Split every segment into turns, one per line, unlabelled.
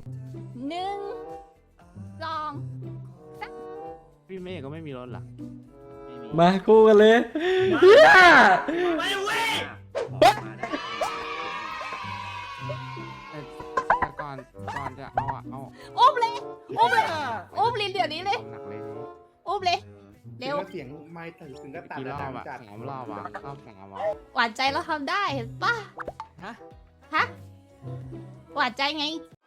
1 2
พี่เมฆก็ไม่มีรถเหรอ
มาคู่กันเลยเฮีย
ไปเว้ย
แต่ก่อนจะเอา
อุ้มเลยอุ้มลินเดี๋ยวนี้เลย
หนักเลย
อุ้มเลยเร็ว
เสียงไม่ถึงก็ตัด
กี่รอบอะ
จัด
3 รอบอะรอบ 3อะ
หวานใจเราทำได้เห็นปะฮะหวานใจไง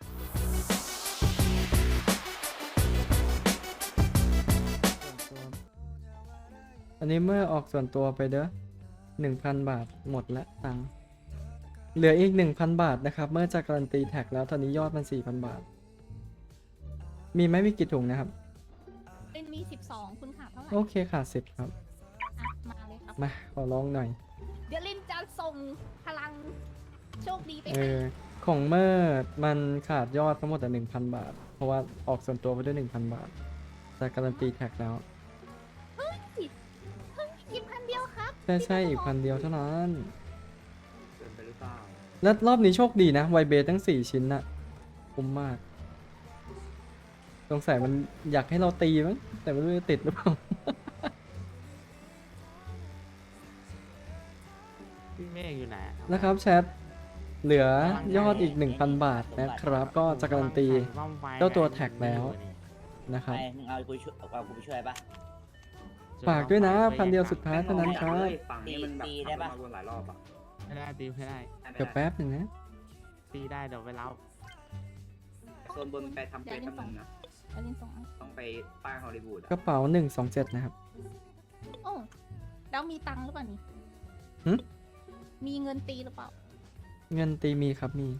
อันนี้เมื่อออกส่วนตัวไปเด้อ1,000 บาทหมดละตังค์เหลืออีก 1,000 บาทนะครับเมื่อจะการันตีแท็กแล้วตอนนี้ยอดมัน 4,000 บาทมีไหมมีกี่ถุงนะครับ
เป็นมี12คุณขาดเท่าไหร่
โอเคค่ะ10ครับ
อ่ะมาเลยครับ
มาขอร้องหน่อย
เดี๋ยวลินจะส่งพลังโชคดีไป
เอ
ให้
อของเมื่อมันขาดยอดทั้งหมดแต่ 1,000 บาท เพราะว่าออกส่วนตัวไปด้วย 1,000 บาทจะการันตีแท็กแล้ว
กินพันเดียวครับ
ใช่อีก1,000 เดียวเท่านั้น
เกินไปหรือเปล่า
แล้วรอบนี้โชคดีนะไวเบสทั้ง4ชิ้นน่ะคุ้มมากสงสัยมันอยากให้เราตีมั้งแต่ไม่รู้จะติดหรือเปล่า
พี่เมฆอยู่ไหน
นะครับแชทเหลือยอดอีก 1,000 บาทนะครับ ก็จะการันตี เจ้าตัวแท็กแล้ว นะครับ
ไปมึงเอากูช่วยเอากูไปช่วยปะ
ฝากด้วยนะ1,000 เดียวสุดท้ายเท่านั้นครับ
ฝั่งนี้มันแบบ
ตีได้ปะ
ทำมาวนหลายรอบอ่ะ
ไม่ได้ตีไม่ได้
เดี๋ยวแป๊บหนึ่งนะ
ตีได้เดี๋ยวไปเล่า
โซนบนไปทำเฟซทำหนึ่งนะ
เดี๋ยวลินส่งให้
ต้องไปป้ายฮอลลีวูด
กระเป๋า127นะครับ
โอ้แล้วมีตังค์หรือเปล่านี่
หึ
มีเงินตีหรือเปล่า
เงินตีมีครับมี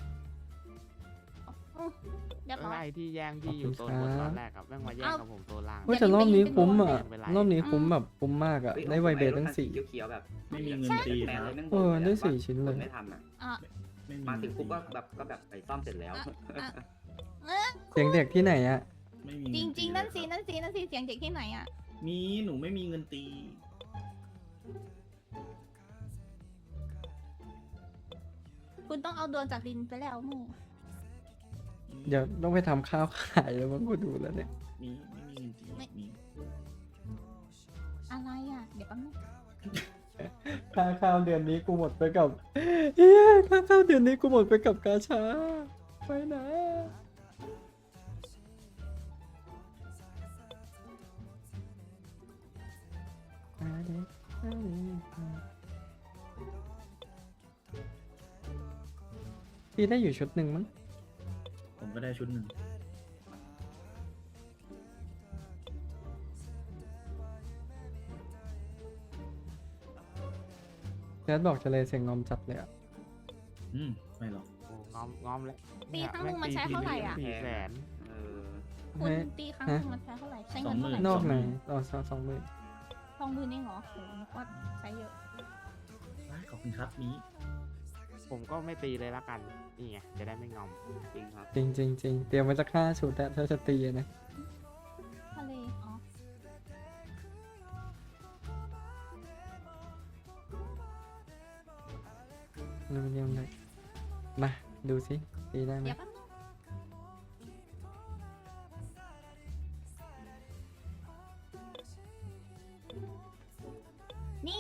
อื้อเรียบร้อย
ไอ้ที่แย่งพี่อยู่โซนบนตอนแรกกับแม่งมาแย่งกับผมโซนล่าง
เฮ้ยแต่รอบนี้คุ้มอ่ะ
เป็นไร
รอบนี้คุ้มแบบคุ้มมากอ่ะ ได้ไวเบสทั้ง4
เขียวๆแบบ
ไม่มีเงินตี
แปล
ค
เล
รับ
ยแม่ง
เออได้
บ่น
4 ชิ้นเลย
ไม่ทันอ่ะ
อ่ะ
ไม่มี
มาถึง
เงิน
ปุ๊บ
ตี
ก็แบบไปซ่อมเสร็จแล้ว
เสียงเด็กที่ไหนอ่ะ
ไม่มี
จ
เงิ
ริง
ตี
ๆ นั่นสิ
เลยครับ
นั่นสินั่นสิเสียงเด็กที่ไหนอ่ะ
มีหนูไม่มีเงินตี
คุณต้องเอาดวงจากลินไปแล้วมึง
เดี๋ยวต้องไปทำข้าวขายแล้วมั้งกูดูแล้วเนี่ย
มีไม่มีเงินตีมี
อะไรอ่ะ เดี๋ยวแป๊บนึง
ค่าข้าวเดือนนี้กูหมดไปกับเฮียค่าข้าวเดือนนี้กูหมดไปกับกาชาไปนะพี่ได้อยู่ชุดหนึ่งมั้ง
ผมก็ได้ชุดหนึ่ง
แจ๊ดบอกจะเลยเสียงงอมจัดเลยอ่ะ
ไม่หรอก
โอ้งอมเลย
ตีครั้งหนึงมันใช้เท่าไหร่อ่ะ
400,000
เออ
คุณตีครั้งหนึงมันใช้เท่าไหร่ ใช้เงินเท่าไหร่
นอกไหนอ๋อ20,000
20,000เองเหรอโหนึกว่าใช้เยอะ
ขอบคุณครับมี
ผมก็ไม่ตีเลยละกัน นี่ไง จะได้ไม่งอม
จริงครับ
จริงจริงจริงเตรียมไว้สัก5 ชุดแต่ถ้าจะตีอะนะ
ทะเล อ๋อ
อลูมิเนียมเลยมาดูสิตีได้ไหม
เดี๋ยวแป๊บนึงนี่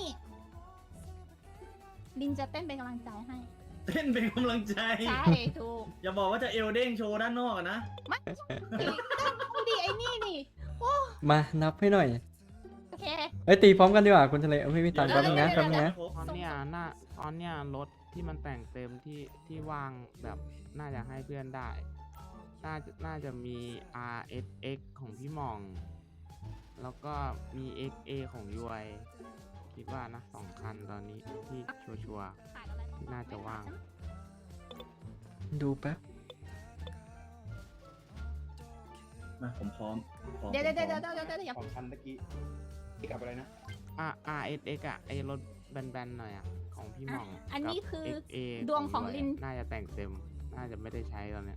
ลินจะเต้นเป็นกำลังใจให้
เต้นเป็นกำลังใจ
ใช่ ถูก
อย่าบอกว่าจะเอลเด้งโชว์ด้านนอกอะนะ
ไม่ดิดูดิไอ้นี่นี่
มานับให้หน่อย
โอเค
เอ้ยตีพร้อมกันดีกว่าคุณทะเลเอาไม่มีตังค์แป๊บนึงนะแป๊บนึงนะ
ตอนเนี้ยรถที่มันแต่งเต็มที่วางแบบน่าจะให้เพื่อนได้ น่าจะมี RSX ของพี่หม่อง แล้วก็มี XA ของยวยคิดว่านะ2 คันตอนนี้ที่ชัวร์ๆที่น่าจะว่าง
ดูแป๊บ
มาผมพร้อม
เดี๋ยวเดี๋ยวเดี๋ยวเดี๋ยวเดี๋ยว
ของคันเมื่อกี้ที่กับอะไรนะ
RSX อ่ะไอรถแบนๆหน่อยอ่ะของพี่หม่อง
อันนี้
กับ
คือ
XA
ดวงของลิน
น่าจะแต่งเต็ม น่าจะไม่ได้ใช้ตอนเนี้ย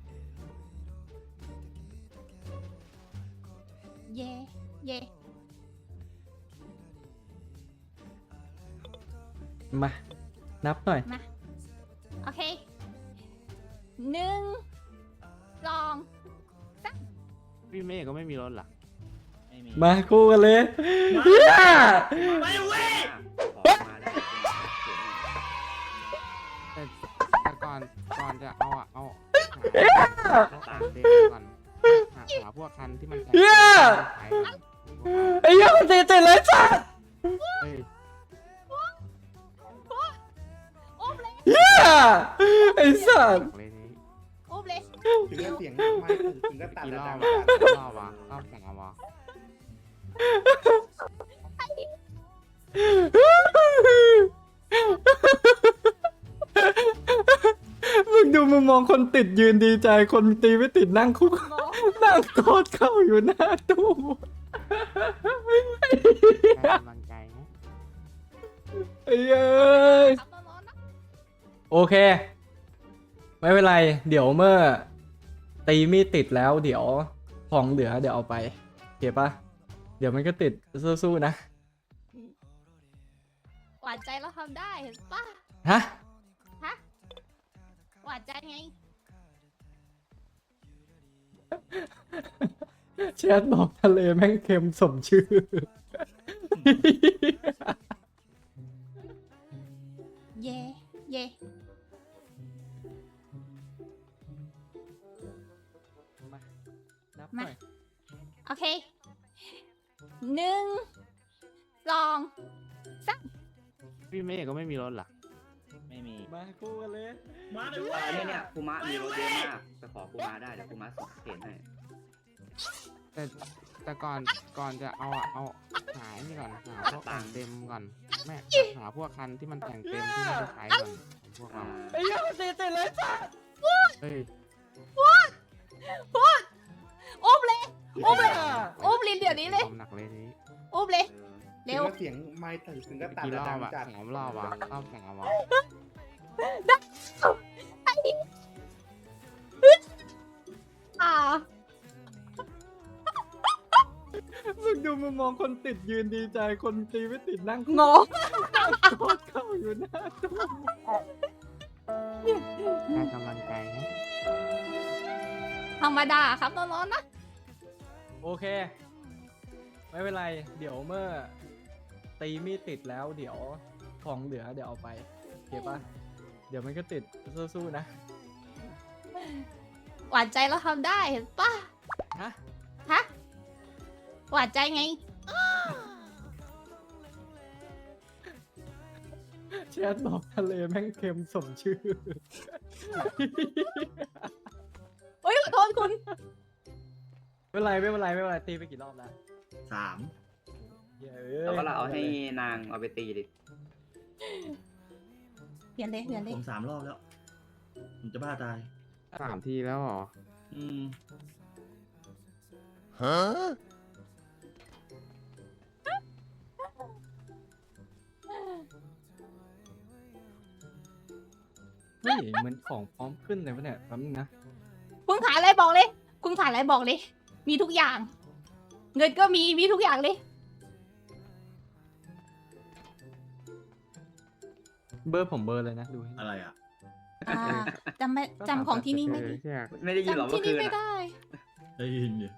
เย่เย่
มานับหน่อย
มา โอเค 1 2
พี่เมฆก็ไม่มีรถเหรอ
ไม่มี
มาคู่กันเลย
มา
เฮีย
ไปเว้ย
ขอมาได้
แต่ก่อนจะเอาเอาแต่งเต็มก่อนหาพวกคันที่มันแต่งเต็มที่ขายก่อน
ไอ้เหี้ยมันติดเลยสัส
เฮ้ย
อุ้มเลย
เฮียไอ้สัส
เลยนี้
อุ้มเลย
ถึงก็เสียงไม่ถึงก็ตัด
กี่ร
แต่
อบ
ดัง
วะกี่รอบวะรอบ2วะ
มึงดูมึงมองคนติดยืนดีใจคนตีไม่ติดนั่งคุก
งง
นั่งกอดเข้าอยู่หน้าตู้
ได้กำลังใจนะ
ไอ้เอ้ย
ครับร้อนๆนะ
โอเค ไม่เป็นไร เดี๋ยวเมื่อตีมีดติดแล้วเดี๋ยวของเหลือเดี๋ยวเอาไปโอเคปะเดี๋ยวมันก็ติดสู้ๆนะ
หวานใจเราทำได้เห็นปะ
ฮะ
ฮะหวานใจไง
แชทบอกทะเลแม่งเค็มสมชื่อ
เย่เย่
นับหน่อย
โอเค1 2
พี่เมฆก็ไม่มีรถเหรอ
ไม่มี
มาคู่กันเลย
มาเลยเว้ย
เนี่ยคูมะมีรถเยอะมากไปขอคูมะได้เดี๋ยวคูมะส่งเข็นให้
แต่ก่อนจะเอาหานี่ก่อนหาพวกแต่งเต็มก่อนแม่หาพวกคันที่มันแต่งเต็มที่มันจะขายก่อนพวกเรา
ไอ้เหี้ยมันติดเลยสัส
เฮ้ย
อุ้มเลยอุ้มเลย
เหี้ย
อุ้มลินเดี๋ยวนี้เลย
ความหนักเลยนี้
อุ้มเลย
ถึ
เร็
ง
ว
ก็เสียงไม่ถึงก็ตัด
กี่
แต่
รอ
ดั
บ
ง
อะ
จัด
3 รอบวะรอบ2วะ
อ่า
มึงดูมึงมองคนติดยืนดีใจคนตีไม่ติดนั่ง
งง
กอดเข้าอยู่หน้าตู้
ได้กำลังใจนะ
ธรรมดาครับร้อนๆนะ
โอเค ไม่เป็นไร เดี๋ยวเมื่อตีมีดติดแล้วเดี๋ยวของเหลือเดี๋ยวเอาไปโอเคปะเดี๋ยวมันก็ติดสู้ๆนะ
หวานใจเราทำได้เห็นปะ
ฮะ
ฮะหวานใจไง
แชทบอกทะเลแม่งเค็มสมชื่อ
โอ้ยขอโทษคุณ
ไม่เป็นไรตีไปกี่รอบแล้ว
3
เย้
แล้วก็เราเอาให้นางเอาไปตีดิ
เปลี่ยนเลยเปลี่ยนเลย
ผม3 รอบแล้ว ผมจะบ้าตาย
3 ทีแล้วเหรอ
อืม
เฮ้ยเหมือนของพร้อมขึ้นเลยวะเนี่ยแป๊บนึงนะ
คุณขายอะไรบอกเลย คุณขายอะไรบอกเลย มีทุกอย่าง เงินก็มีทุกอย่างเลย
เบอร์ผมเบอร์เลยนะดูให้
อะไรอ่ะ
อ่าจำของที่นี่ไม่ได้
ใช่
ไม่ได้ยินหรอ
จำ
เมื่
ที่
อคื
นี่
น
ไม่
อะ
ได้
ได้ยินอยู่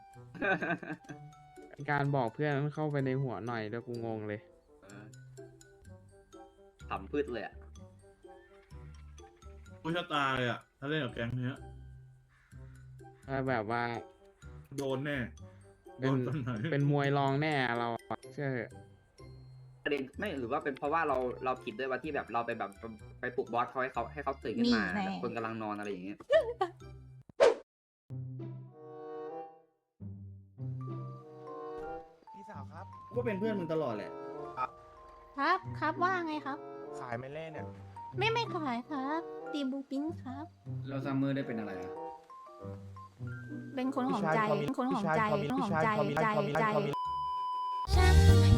การบอกเพื่อนมันเข้าไปในหัวหน่อยแล้วกูงงเลย
ขำพืชเลยอ่ะ
ผู้ชะตาเลยอ่ะ ถ้าเล่นกับแก๊งเนี้ย
แบบว่า
โดนแน่ โด
เป็น
นตอนไหน
เป็นมวยรองแน่เราอะเชื่อเถอะ
ประเด็นไม่หรือว่าเป็นเพราะว่าเราผิดด้วยว่าที่แบบเราไปแบบไปปลุกบอสเขาให้เขาตื่นขึ้นมา
นี่แน่
แบบคนกำลังนอนอะไรอย่างเงี้ย
พี่สาวครับ
ก็เป็นเพื่อนมึงตลอดแหละ
ครับว่าไงครับ
ขายไม่เล่นเนี่ย
ไม่ขายครับตีบูปิ้นครับ
แล้วซัมเมอร์ได้เป็นอะไรอ่ะ
เป็นคนของใจเป็นคนของใจเป็นคนของใจใจ
พี่ชายพอมี
ฉัน